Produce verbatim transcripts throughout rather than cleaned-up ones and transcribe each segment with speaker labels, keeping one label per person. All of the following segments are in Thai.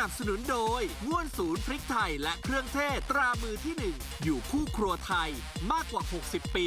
Speaker 1: นับสนุนโดยง่วนศูนย์พริกไทยและเครื่องเทศตรามือที่หนึ่งอยู่คู่ครัวไทยมากกว่าหกสิบปี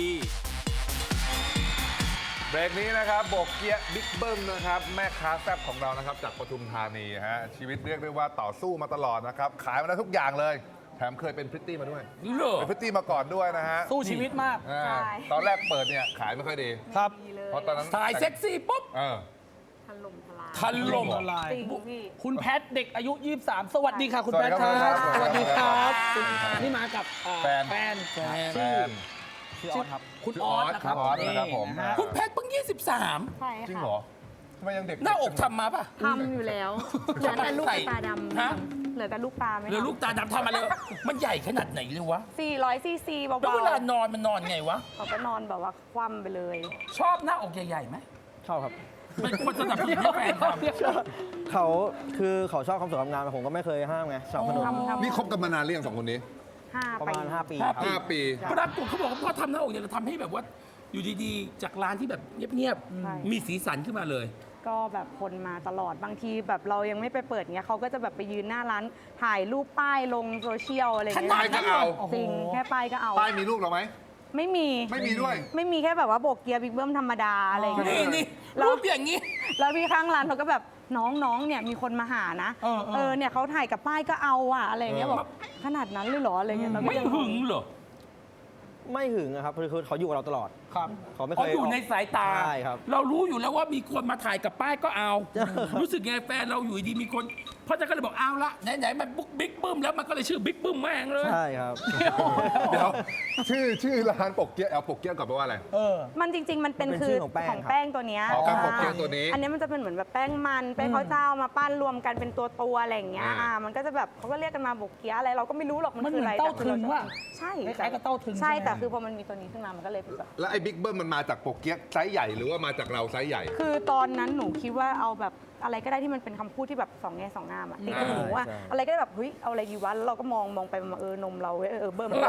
Speaker 2: เบรกนี้นะครับโบกเกียบิ๊กเบิ้มนะครับแม่ค้าแซ่บของเรานะครับจากปทุมธานีฮะชีวิตเรียกได้ว่าต่อสู้มาตลอดนะครับขายมาได้ทุกอย่างเลยแถมเคยเป็นพริตตี้มาด้วยเป็นพริตตี้มาก่อนด้วยนะฮะ
Speaker 3: สู้ชีวิตมาก
Speaker 2: อ่า
Speaker 4: ใช่
Speaker 2: ตอนแรกเปิดเนี่ยขายไม่ค่อยดี
Speaker 3: ครับ
Speaker 4: ดีเลย
Speaker 2: เพราะตอนนั้น
Speaker 3: ถ่ายเซ็กซี่ปุ๊บ
Speaker 2: เออ
Speaker 4: ถล่มทลาย
Speaker 3: ทันลม
Speaker 2: จริงเหรอ
Speaker 3: ละลาย
Speaker 4: จริงพี่
Speaker 3: คุณแพทเด็กอายุ ยี่สิบสาม สวัสดีค่ะคุณ
Speaker 2: สวั
Speaker 3: แพ
Speaker 2: ส
Speaker 3: ท
Speaker 2: ดี
Speaker 3: ค
Speaker 2: ครั
Speaker 3: รับ บ สวัสดีครับ
Speaker 2: สวัสดีครับ
Speaker 3: นี่มากับอ่า
Speaker 2: แฟน
Speaker 3: แฟนแฟน
Speaker 2: แฟน
Speaker 3: ชื่อออสครับ คุณ
Speaker 2: ชื่อ
Speaker 3: อ
Speaker 2: อ
Speaker 3: อ
Speaker 2: อ
Speaker 3: ส
Speaker 2: ส
Speaker 3: นะครับ
Speaker 2: ออสนะครับผม
Speaker 3: นะฮะ
Speaker 5: คุณแพทย์เพิ่งยี่สิบสาม
Speaker 4: ใช่
Speaker 2: จริง
Speaker 4: ค่ะ
Speaker 2: เหรอทำไมยังเด็ก
Speaker 5: หน้าอกทำมาป่ะ
Speaker 4: ทำอยู่แล้ว เหลือแต่ลูกตาดำ
Speaker 5: ฮะ
Speaker 4: เหลือแต่ลูกตาไม่
Speaker 5: หรือลูกตาดำทำมาเลย มันใหญ่ขนาดไหนเลยวะ
Speaker 4: สี่ร้อยซีซีเบา
Speaker 5: แล้วเวลานอนมันนอนไงวะ
Speaker 4: ๆเขาก็นอนแบบว่าคว่ำไปเลย
Speaker 5: ชอบหน้าอกใหญ่ๆไหม
Speaker 6: ชอบครับ
Speaker 5: เป็นคนสนับสนุนให้แฟนทำ
Speaker 6: เขาคือเขาชอบความสวยความงามแต่ผมก็ไม่เคยห้ามไงสนับสนุน
Speaker 4: ทำทำ
Speaker 2: นี่คบกันมานานหรือยังสองคนนี้
Speaker 4: ห้า
Speaker 6: ประ
Speaker 4: ปี
Speaker 6: มาณ 5 ปี
Speaker 5: ห้า
Speaker 6: ครับ
Speaker 2: ห้าปี
Speaker 5: ปรากฏเขาบอกว่าพอทำหน้าอกเนี่ยเราทำให้แบบว่า อยู่ดีๆ จากร้านที่แบบเงียบ
Speaker 4: ใช่
Speaker 5: ๆ มีสีสันขึ้นมาเลย
Speaker 4: ก็แบบคนมาตลอดบางทีแบบเรายังไม่ไปเปิดเงี้ยเขาก็จะแบบไปยืนหน้าร้านถ่ายรูปป้ายลงโซเชียลอะไรเงี้ย
Speaker 2: ป้ายก็เอา
Speaker 4: จริงแค่ป้ายก็เอา
Speaker 2: ป้ายมีรูปเราไหม
Speaker 4: ไม่มี
Speaker 2: ไม่มีด้วย
Speaker 4: ไม่มีแค่แบบว่าโบกเกียร์บิ๊กเบิ้มธรรมดาอะไรอย่าง
Speaker 5: นี่
Speaker 4: เงี้ย
Speaker 5: นี่
Speaker 4: แล้ว
Speaker 5: รูปอย่างนี้
Speaker 4: แล้วพี่ข้างร้านเขาก็แบบน้องๆเนี่ยมีคนมาหานะ
Speaker 3: เออเออ
Speaker 4: เนี่ยเขาถ่ายกับป้ายก็เอาอะอะไรอย่างเงี้ย
Speaker 2: เออ
Speaker 4: บอกขนาดนั้นเลยเหรออะไรเงี้ยเราก็
Speaker 5: ไม่
Speaker 4: ยัง
Speaker 5: หึงเหรอ
Speaker 6: ไม่หึงนะครับคือคือเขาอยู่กับเราตลอด
Speaker 3: ครับ
Speaker 6: เขาไม่เค
Speaker 5: เขา
Speaker 6: ย
Speaker 5: อยู่ในสายตา
Speaker 6: ใช่ครับ
Speaker 5: เรารู้อยู่แล้วว่ามีคนมาถ่ายกับป้ายก็เอา รู้สึกไงแฟนเราอยู่ดีมีคนเพราะฉะนั้นก็เลยบอกเอาละไหนๆมันบุ๊กบิ๊กบึ้มแล้วมันก็เลยชื่อบิ๊กบึ้มแม่งเลย
Speaker 6: ใช่ครับ
Speaker 2: เดี๋ยวชื่อชื่อร้านปกเกียเอาปกเกียก่อนแปลว่าอะไร
Speaker 3: เออ
Speaker 4: มันจริง ๆ มันเป็น
Speaker 6: มันเป็น
Speaker 4: คือ
Speaker 6: ชื่อของแป้ง
Speaker 4: ของ
Speaker 6: ครับ
Speaker 4: แป้งตัวเนี้ย
Speaker 2: อ๋อแป้งโปเกียตัวนี้
Speaker 4: อันนี้มันจะเป็นเหมือนแบบแป้งมันแป้งข้าวเจ้ามาปั้นรวมกันเป็นตัวตัวๆอะไรอย่างเงี้ย
Speaker 2: อ่า
Speaker 4: อ่ามันก็จะแบบเขาก็เรียกกันมาโบกเกียอะไรเราก็ไม่รู้หรอกมัน
Speaker 3: มัน
Speaker 4: คือ
Speaker 3: เหมื
Speaker 4: อะ
Speaker 3: อน
Speaker 4: ไร
Speaker 3: เต้า
Speaker 4: แต่คือ
Speaker 3: ถึง
Speaker 4: เรา
Speaker 3: ว่ะ
Speaker 4: ใช่
Speaker 3: คล้ายๆกับเต้าถึง
Speaker 4: ใช่
Speaker 3: ใช่ไหม
Speaker 4: แต่คือพอมันมีตัวนี้ขึ้นมามันก็เลยเป็นแบบ
Speaker 2: แล้วไอ้บิ๊กเบิ้มมันมาจากปกเกียไซส์ใหญ่หรือว่ามาจากเราไซส์ใหญ่
Speaker 4: คือตอนนั้นหนูคิดว่าเอาแบบอะไรก็ได้ที่มันเป็นคำพูดที่แบบสองแง่สองงามอะติดกับหนูว่า
Speaker 6: ใช่
Speaker 4: อะไรก็ได้แบบเฮ้ยเอาอะไรดีวะแล้วเราก็มองมองไปมาเออนมเราเว้ยเออเบิ่ม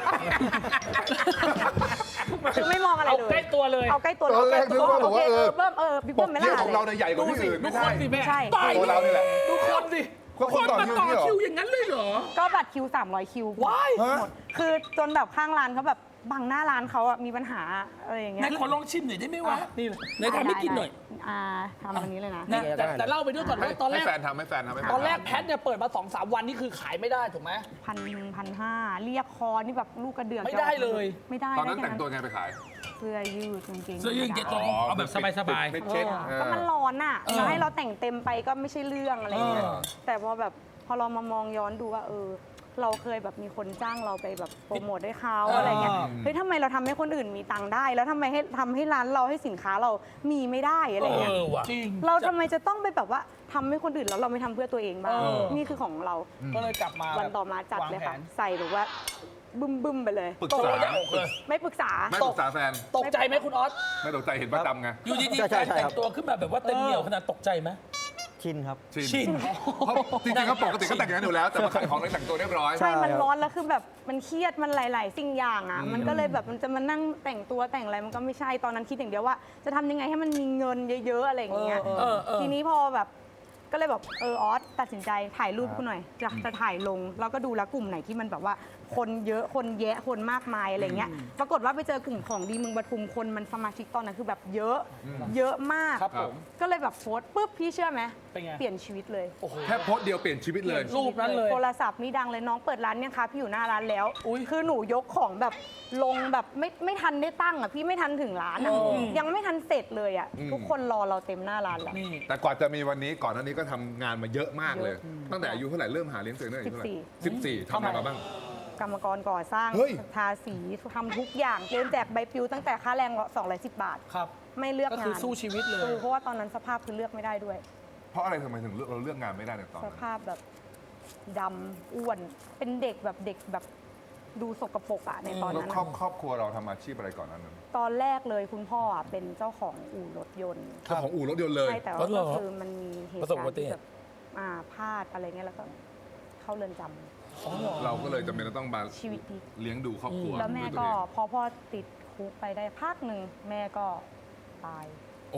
Speaker 4: คือไม่มองอะไร
Speaker 3: เอา
Speaker 4: เลย
Speaker 3: ใกล้ตัวเลย
Speaker 4: เอาใกล้ตัว
Speaker 2: ตอนแรกนึกว่า
Speaker 4: โอเค
Speaker 2: บอกว่า
Speaker 4: เอ
Speaker 2: เอ
Speaker 4: อ
Speaker 2: อ
Speaker 4: เบิ่มเออบิ๊ก
Speaker 2: ป
Speaker 4: เบิ่
Speaker 2: ก
Speaker 4: มไม่
Speaker 2: เกีย
Speaker 4: ล่ะ
Speaker 2: ของเราเนี่ยใหญ่กว่าที่อื่น
Speaker 3: ดู
Speaker 2: ไม่
Speaker 3: ค
Speaker 2: ใช่
Speaker 3: นสิแม่
Speaker 4: ใช่
Speaker 5: ตาย
Speaker 2: ตัวเรานี่แหละ
Speaker 3: ดูคนสิ
Speaker 2: ก็คนต่อ
Speaker 5: มา
Speaker 2: คิว
Speaker 5: ต่อ
Speaker 2: นี่เหรอ
Speaker 5: คิวอย่างนั้นเลยเหรอ
Speaker 4: ก็บัตรคิวสามร้อยคิว
Speaker 3: ว้าย
Speaker 2: ฮะ
Speaker 4: หมดคือจนแบบข้างร้านเขาแบบบังหน้าร้านเขาอะมีปัญหาอะไรอย่างเงี้
Speaker 5: ไหน
Speaker 4: ย
Speaker 5: ขอลองชิมหน่อยได้ไหมวะ
Speaker 3: นี่
Speaker 5: ไหนทำให้กินหน่อย
Speaker 4: อ่าทำอันนี้เลยนะ
Speaker 3: นะแต่แต่เล่าไปด้วยก่อน
Speaker 2: ให้
Speaker 3: ว่าตอนแร
Speaker 2: ให้
Speaker 3: ก
Speaker 2: แฟนทำให้แฟนทำให้แฟน
Speaker 3: ตอนแรก
Speaker 2: ทำ
Speaker 3: แพทเนี่ยเปิดมาสองสามวันนี่คือขายไม่ได้ถูกไหม
Speaker 4: พันหนึ่งพันห้าเรียกคอนี่แบบลูกกระเดือก
Speaker 3: ไม่ได้เลย
Speaker 4: ไม่ได้
Speaker 2: ตอนนั้น
Speaker 4: ได้
Speaker 2: แต่งตัวไงไปขาย
Speaker 4: เสื้อยืดกางเกง
Speaker 5: เสื้อยืดเกงตัวเอาแบบสบายๆ
Speaker 2: ไม่เช็ค
Speaker 4: เออก็มันร้อนอ่ะ
Speaker 5: เออ
Speaker 4: แล้วให้เราแต่งเต็มไปก็ไม่ใช่เรื่องอะไรอย่างเงี้ย
Speaker 5: เออ
Speaker 4: แต่พอแบบพอเรามามองย้อนดูว่าเออ เราเคยแบบมีคนจ้างเราไปแบบโปรโมทให้เขาอะไรเงี้ยเฮ้ยทำไมเราทำให้คนอื่นมีตังค์ได้ แล้วทำไมให้ทำให้ร้านเราให้สินค้าเรามีไม่ได้อะไร
Speaker 5: เอ
Speaker 4: เงี้ย
Speaker 5: อว่ะ
Speaker 3: จริง
Speaker 4: เราทำไมจะต้องไปแบบว่าทำให้คนอื่นแล้วเราไม่ทำเพื่อตัวเองบ้าง
Speaker 3: เออ
Speaker 4: นี่คือของเรา
Speaker 3: ก็เลยกลับมา
Speaker 4: วันต่อมาจัดเลยค่ะ
Speaker 3: วางแผน
Speaker 4: ใส่แบบว่าบึ้มบึ้มๆไปเลย
Speaker 2: ปรึก
Speaker 5: โต
Speaker 2: ษา
Speaker 5: หน้าอกเลย
Speaker 4: ไม่ปรึกษา
Speaker 2: ไม่ปรึกษาแฟน
Speaker 3: ตกใจไหมคุณออส
Speaker 2: ไม่ตกใจเห็นประจำไง
Speaker 5: อยู่ดี
Speaker 6: ใช่
Speaker 5: ๆแฟ
Speaker 6: ใช่
Speaker 5: น
Speaker 6: ใช่
Speaker 5: แต่
Speaker 6: ครั
Speaker 5: ง
Speaker 6: บ
Speaker 5: ตัวขึ้นมาแบบว่าเต็มเหนียวขนาดตกใจไหม
Speaker 6: ชินครับ
Speaker 5: ชิน
Speaker 2: เพราะจริงๆเขาปกติก็แต่งอย่างนั้นอยู่แล้ว แต่มาขายของเลยแต่งตัวเรียบร้อย
Speaker 4: ใช่ มัน
Speaker 6: ครับ
Speaker 4: ร้อนแล้วคือแบบมันเครียดมันหลาย ๆ สิ่งอย่างอ่ะ มันก็เลยแบบมันจะมานั่งแต่งตัวแต่งอะไรมันก็ไม่ใช่ ตอนนั้นคิดอย่างเดียวว่า จะทำยังไงให้มันมีเงินเยอะ ๆ อะไรอย่างเงี้ย
Speaker 3: เออ
Speaker 5: เออเออ
Speaker 4: ทีนี้พอแบบก็เลยแบบเออออสตัดสินใจถ่ายรูปกูหน่อย จะจะถ่ายลง แล้วก็ดูแล้วกลุ่มไหนที่มันแบบว่าคนเยอะคนแยะคนมากมายอะไรเงี้ย ปรากฏว่าไปเจอกลุ่มของดีเมืองปทุมคนมันสมาชิกตอนนั้นคือแบบเยอะ เยอะมาก
Speaker 3: ครับผม
Speaker 4: ก็เลยแบบโพสต์ปุ๊บพี่เชื่อไหม
Speaker 3: เป็นไง
Speaker 4: เปลี่ยนชีวิตเลย
Speaker 3: โอ้โห
Speaker 2: แค่โพสต์เดียวเปลี่ยนชีวิตเลย
Speaker 3: รูปนั้นเลย
Speaker 4: โทรศัพท์นี่ดังเลยน้องเปิดร้านเนี่ยคะพี่อยู่หน้าร้านแล้ว
Speaker 3: อุ๊ย
Speaker 4: คือหนูยกของแบบลงแบบไม่ไม่ทันได้ตั้งอ่ะพี่ไม่ทันถึงร้านอ่ะ
Speaker 3: อืม
Speaker 4: ยังไม่ทันเสร็จเลยอ่ะ
Speaker 2: อืม
Speaker 4: ทุกคนรอเราเต็มหน้าร้านแล้ว
Speaker 3: นี่
Speaker 2: แต่กว่าจะมีวันนี้ก่อนหน้านี้ก็ทำงานมาเยอะมากเลย ตั้งแต่อายุเท่าไหร่เริ่มหาเลี้ยงตัวเองตั้งแต่อายุเท่าไหร่สิบสี่ทำอะไรมาบ้าง
Speaker 4: กรรมกรก่อสร้าง
Speaker 2: เฮ้ย
Speaker 4: ทาสีทำทุกอย่างเดินแจกใบปลิวตั้งแต่ค่าแรงสองร้อยสิบบาท
Speaker 3: ครับ
Speaker 4: ไม่เลือก
Speaker 3: ก็
Speaker 4: งาน
Speaker 3: คือสู้ชีวิตเลย
Speaker 4: ออเพราะว่าตอนนั้นสภาพคือเลือกไม่ได้ด้วย
Speaker 2: เพราะอะไรทำไมถึงเลือกเราเลือกงานไม่ได้ในตอน
Speaker 4: ส
Speaker 2: นั้น
Speaker 4: ภาพแบบดำอ้วน เป็นเด็กแบบเด็กแบบดูสกปรกอะในตอน
Speaker 2: แล้ว
Speaker 4: นั้น
Speaker 2: ครอบ
Speaker 4: อะ
Speaker 2: ครอบครัวเราทำอาชีพอะไรก่อนนั้นนะ
Speaker 4: ตอนแรกเลยคุณพ่ออะเป็นเจ้าของอู่รถยนต์
Speaker 2: เจ้าของอู่รถยนต์เลย
Speaker 4: ใช่แต่
Speaker 5: ร
Speaker 4: ว่า
Speaker 5: ถเหร
Speaker 4: ก็
Speaker 5: อ
Speaker 4: คือมันมีเหตุ
Speaker 5: ประสบ
Speaker 4: การ
Speaker 5: อุบั
Speaker 4: ณ์
Speaker 5: ติ
Speaker 4: ที่
Speaker 5: เหตุ
Speaker 4: แบบอ่าพลาดอะไรเงี้ยแล้วก็เข้าเรือนจำ
Speaker 2: เราก็เลยจำเป็นต้องมา
Speaker 4: ชีวิตพลิก
Speaker 2: เลี้ยงดูครอบครัว
Speaker 4: แล้วแม่
Speaker 2: ด้วยตั
Speaker 4: ก็
Speaker 2: วเอง
Speaker 4: พอพ่อติดคุกไปได้พักหนึ่งแม่ก็ตาย
Speaker 2: โอ้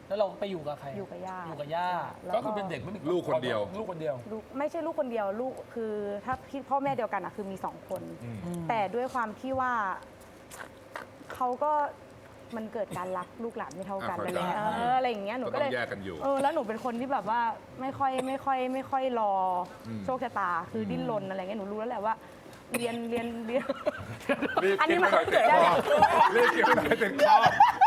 Speaker 3: แล้วเราไปอยู่กับใคร
Speaker 4: อยู่กับย่า
Speaker 3: อยู่กับย่า
Speaker 4: แล้ว
Speaker 5: ก็คือเป็นเด็กไม่มี
Speaker 2: ลูกคนเดียว
Speaker 5: ลูกคนเดียว
Speaker 4: ลูกไม่ใช่ลูกคนเดียวลูกคือถ้าพี่พ่อแม่เดียวกันอะคือมีสองคน แต่ด้วยความที่ว่าเขาก็มันเกิดการรักลูกหลานไม่เท่ากัน
Speaker 2: อ่ะ
Speaker 4: อะไร
Speaker 2: เข้าใจ
Speaker 4: เงี้ยเอออะไรอย่างเงี้ยหนู
Speaker 2: ก็
Speaker 4: ก็
Speaker 2: ต้
Speaker 4: เล
Speaker 2: อย งแยกกันอยู่
Speaker 4: เออแล้วหนูเป็นคนที่แบบว่าไม่ค่อยไม่ค่อยไม่ค่อยรออ
Speaker 2: ม
Speaker 4: โชคชะตาคือดิ้นรนอะไรเงี้ยหนูรู้แล้วแหละว่า เรียนเรียนเรียน
Speaker 2: รีบ
Speaker 4: อันนี้
Speaker 2: กิน
Speaker 4: มัน
Speaker 2: ไปหน่อยติดคอรีบกินไปหน่อยติดคอก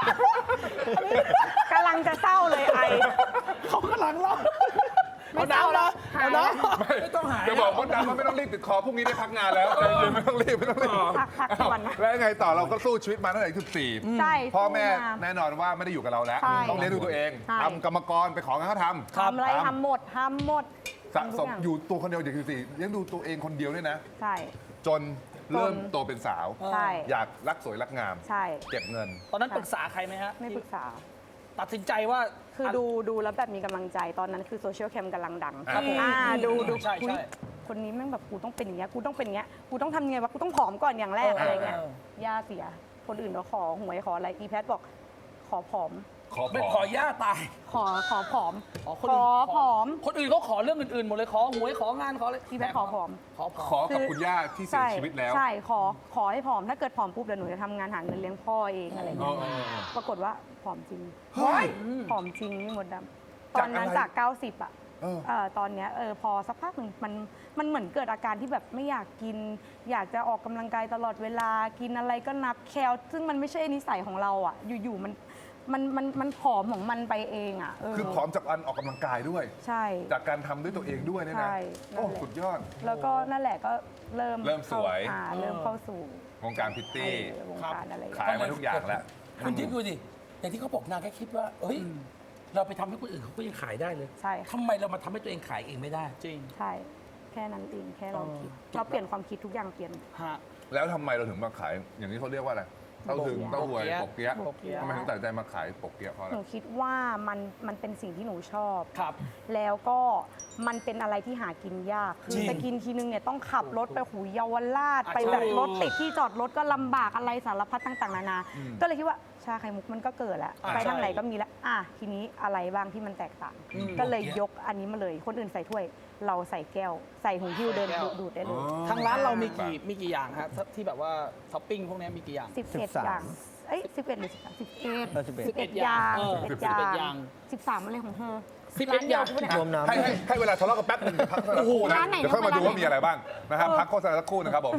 Speaker 4: ำลังจะเศร้าเลยไอ
Speaker 3: เขากำลังร้อง
Speaker 4: ไม่
Speaker 3: เอา
Speaker 4: เศร้า
Speaker 3: น้ำ
Speaker 4: แล้
Speaker 3: นะ
Speaker 4: วหา
Speaker 3: เอา
Speaker 4: ยแล้ว
Speaker 3: น้ำ
Speaker 5: ไม่ต้องหาย
Speaker 2: จะบอกมดดำว่าไม่ต้องรีบติดคอพรุ่งนี้ได้พักงานแล้วใจเย็นไม่ต้องรีบไม่ต้องรีบ
Speaker 4: พักพักก่อนนะ
Speaker 2: แล้วยังไงต่อเราก็สู้ชีวิตมาตั้งแต่อายุสิบสี่
Speaker 4: ใช่
Speaker 2: พ่อแม่
Speaker 4: สู้า
Speaker 2: แน่นอนว่าไม่ได้อยู่กับเราแล้ว
Speaker 4: ใช่
Speaker 2: ต้องเลี้ยงดูตัวเอง
Speaker 4: ใช่
Speaker 2: ทำกรรมกรไปของเขาทำ
Speaker 4: ทำอะไรทำหมดทำหมด
Speaker 2: สะสม
Speaker 4: ทำทุกาง
Speaker 2: อยู่ตัวคนเดียวอย่างสิบสี่เลี้ยงดูตัวเองคนเดียวด้วยนะ
Speaker 4: ใช่
Speaker 2: จนเริ่ม
Speaker 4: จน
Speaker 2: โตเป็นสาว
Speaker 4: ใช่
Speaker 2: อยากรักสวยรักงาม
Speaker 4: ใช่
Speaker 2: เก็บเงิน
Speaker 3: ตอนนั้นปรึกษาใครไหมฮะ
Speaker 4: ไม่ปรึกษา
Speaker 3: ตัดสินใจว่า
Speaker 4: คือดูดูแล้วแบบมีกำลังใจตอนนั้นคือโซเชียลแคมกำลังดัง
Speaker 2: ครับผม
Speaker 4: อ่าดูดู
Speaker 3: ใช่
Speaker 4: อุ๊ย
Speaker 3: ใช่
Speaker 4: คนนี้แม่งแบบกูต้องเป็นอย่างเงี้ยกูต้องเป็นอย่างเงี้ยกูต้องทำยังไงวะกูต้องผอมก่อนอย่างแรก
Speaker 3: เอออ
Speaker 4: อะไรเงี้ย
Speaker 3: เออ
Speaker 4: ย่าเสีย คนอื่นเขาขอหวยขออะไรอีแพทบอกขอผอม
Speaker 2: ขอ
Speaker 5: ไม่
Speaker 2: ข
Speaker 5: ข
Speaker 2: อ
Speaker 5: อย่าตาย
Speaker 4: ขอขอผอม
Speaker 3: อ๋อ
Speaker 4: ข
Speaker 3: คน
Speaker 4: อ
Speaker 3: อื่น
Speaker 4: ผอม
Speaker 3: คนอื่นเขาขอเรื่องอื่นๆหมดเลยขอหวยของานขออะไร
Speaker 4: พี่แพทย์ขอผอม
Speaker 3: ขอผอม
Speaker 2: ขอกับคุณย่าที่เสีย
Speaker 4: ใช่
Speaker 2: ชีวิตแล้ว
Speaker 4: ใช่ขอขอให้ผอมถ้าเกิดผอมปุ๊บเดี๋ยวหนูจะทำงานหาเงินเลี้ยงพ่อเองอะไร
Speaker 2: เอ
Speaker 4: เงี้
Speaker 2: อย เออเออ
Speaker 4: ปรากฏว่าผอมจริง
Speaker 2: เฮ้ย
Speaker 4: ผอมจริงนี่มดดำตอนนั้น
Speaker 2: จากอะไร
Speaker 4: จากเก้าสิบอะ
Speaker 2: เออ
Speaker 4: เอ่อตอนเนี้ยเออพอสักพักหนึ่งมันมันเหมือนเกิดอาการที่แบบไม่อยากกิน อยากจะออกกำลังกายตลอดเวลากินอะไรก็นับแคลซึ่งมันไม่ใช่นิสัยของเราอ่ะ อยู่ๆมันมันมันมันผอมของมันไปเองอ่ะเออ
Speaker 2: คือผอมจากการออกกำลังกายด้วย
Speaker 4: ใช่
Speaker 2: จากการทำด้วยตัวเองด้วยเนี่ยนะ
Speaker 4: ใช่
Speaker 2: โอ้
Speaker 4: นั่นแหละ
Speaker 2: สุดยอด
Speaker 4: แล้วก็นั่นแหละก็เริ่ม
Speaker 2: เริ่มสวย
Speaker 4: เข้าอ่าเริ่มเข้าสู่
Speaker 2: วงการพิตตี้
Speaker 4: เออวงการอะไรอย่าง
Speaker 2: ขา
Speaker 4: เงี้ย
Speaker 2: ยมาทุกอย่างแล้ว
Speaker 5: คุณคิดดูดิอย่างที่เขาบอกนางแค่คิดว่า เอ้ย เราไปทำให้คนอื่นเขาก็ยังขายได้เลย
Speaker 4: ใช่ค่ะ
Speaker 5: ทำไมเรามาทำให้ตัวเองขายเองไม่ได้
Speaker 3: จริง
Speaker 4: ใช่ แค่นั้นเองแค่เรา
Speaker 3: เออ
Speaker 4: คิดเราเปลี่ยนความคิดทุกอย่างเปลี่ยน
Speaker 3: ฮะ
Speaker 2: แล้วทำไมเราถึงมาขาย อย่างนี้เขาเรียกว่าอะไรเต้าถึง
Speaker 4: โปะ
Speaker 2: เต้าหวย
Speaker 3: โปะ
Speaker 2: ปกเกี๊ยะ
Speaker 3: โปะเกี๊ยะ
Speaker 2: ทำไมถึงตัดสินใจมาขายปกเกี๊ยะเพราะอะไร
Speaker 4: หนูคิดว่ามันมันเป็นสิ่งที่หนูชอบ
Speaker 3: ครับ
Speaker 4: แล้วก็มันเป็นอะไรที่หากินยาก คื
Speaker 5: จริ
Speaker 4: อง จะกินทีนึงเนี่ยต้องขับรถไปหูเยาวราช
Speaker 3: อ่ะ
Speaker 4: ไปแบบ
Speaker 3: ใช่
Speaker 4: รถติดที่จอดรถก็ลำบากอะไรสารพัดต่างๆ นานา
Speaker 2: อืม
Speaker 4: ก็เลยคิดว่าชาไข่มุกมันก็เกิดแล้ว
Speaker 3: อ่ะ
Speaker 4: ไปทาง
Speaker 3: ใช่
Speaker 4: ไหนก็มีแล้วอ่ะทีนี้อะไรบ้างที่มันแตกต่าง
Speaker 3: อืม
Speaker 4: ก็เลยยกอันนี้มาเลย คนอื่นใส่ถ้วย เราใส่แก้ว ใส่หูหิ้วเดิน
Speaker 3: ใส่แก้ว
Speaker 4: ดูดได้เลย
Speaker 3: ทางร้านเรามีกี่มีกี่อย่างฮะที่แบบว่าท็อปปิ้งพวกนี้มีกี่อย่าง
Speaker 4: สิบเอ็ด
Speaker 6: สิบสาม
Speaker 4: อย่าง เอ้ยสิบเอ็ดหรือสิบสามสิบเอ็ด
Speaker 6: เออสิบเอ็ด
Speaker 4: สิบเอ็ดอย่าง
Speaker 3: เออ
Speaker 4: สิบ
Speaker 3: สิบเอ็
Speaker 4: เอ็
Speaker 3: ด
Speaker 4: ด
Speaker 3: อ
Speaker 4: อย่าง ย่างสิบสามอะไรของเธอ
Speaker 3: สิบเอ็ดอย่าง
Speaker 4: ร้นดีวกูเนี่ย
Speaker 6: รวมน้ำ
Speaker 2: ให้ให้ให้เวลาทะเลาะกันแป๊บนึงเดี๋ยวพักสักครู่นะ
Speaker 4: ร้านไหน
Speaker 2: เดี๋ยวค่อยมาดู
Speaker 4: ร้านไหน
Speaker 2: ว่ามีอะไรบ้างนะครับพักโฆษณาสักครู่นะครับผม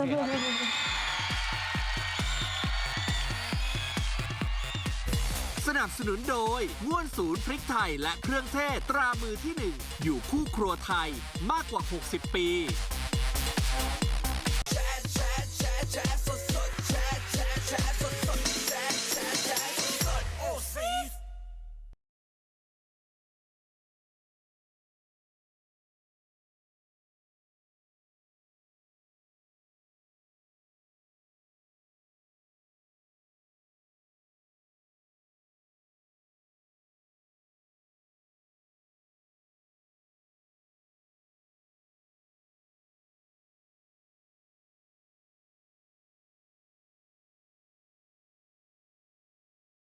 Speaker 1: สนับสนุนโดยง่วนศูนย์พริกไทยและเครื่องเทศตรามือที่หนึ่งอยู่คู่ครัวไทยมากกว่า หกสิบ ปี